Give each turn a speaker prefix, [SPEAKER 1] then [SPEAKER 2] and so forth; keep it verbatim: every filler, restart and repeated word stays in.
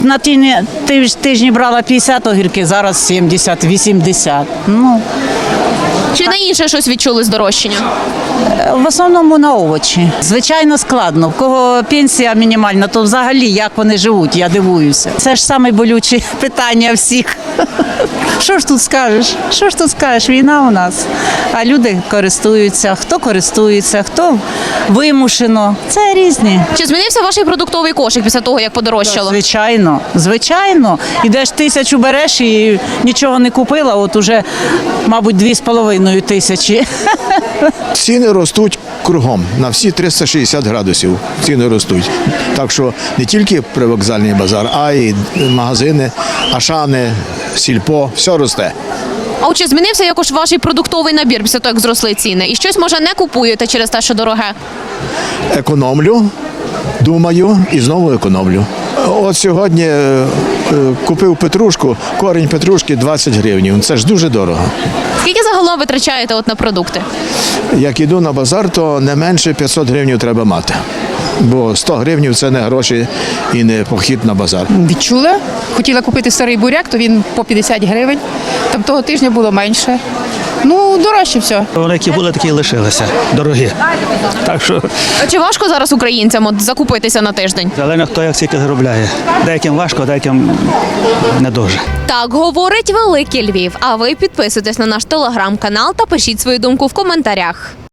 [SPEAKER 1] На тижні, тиж- тижні брала п'ятдесят огірки, зараз сімдесят, вісімдесят. Ну,
[SPEAKER 2] Чи на інше щось відчули здорожчання?
[SPEAKER 1] в основному на овочі. Звичайно, складно. В кого пенсія мінімальна, то взагалі як вони живуть, я дивуюся. Це ж саме болюче питання всіх. Що ж тут скажеш? Що ж тут скажеш? Війна у нас. А люди користуються. Хто користується, хто вимушено. Це різні.
[SPEAKER 2] Чи змінився ваш продуктовий кошик після того, як подорожчало?
[SPEAKER 1] Звичайно, звичайно. Ідеш тисячу береш і нічого не купила, от уже, мабуть, дві з половиною тисячі.
[SPEAKER 3] Ціни ростуть кругом на всі триста шістдесят градусів. Ціни ростуть. Так що не тільки привокзальний базар, а й магазини, Ашани, Сільпо, все росте.
[SPEAKER 2] А от чи змінився якось ваш продуктовий набір після того, як зросли ціни? І щось, може, не купуєте через те, що дороге?
[SPEAKER 3] Економлю, думаю і знову економлю. От сьогодні е, е, купив петрушку, корінь петрушки двадцять гривень. Це ж дуже дорого.
[SPEAKER 2] Скільки загалом витрачаєте от на продукти?
[SPEAKER 3] Як іду на базар, то не менше п'ятсот гривень треба мати. Бо сто гривень – це не гроші і не похід на базар.
[SPEAKER 4] Відчула. Хотіла купити старий буряк, то він по п'ятдесят гривень. Там того тижня було менше. Ну, дорожче все.
[SPEAKER 5] Вони які були, такі і лишилися. Дорогі. Так що
[SPEAKER 2] А чи важко зараз українцям от закупитися на тиждень?
[SPEAKER 5] залежно хто як скільки заробляє. Деяким важко, деяким не дуже.
[SPEAKER 2] Так говорить Великий Львів. А ви підписуйтесь на наш телеграм-канал та пишіть свою думку в коментарях.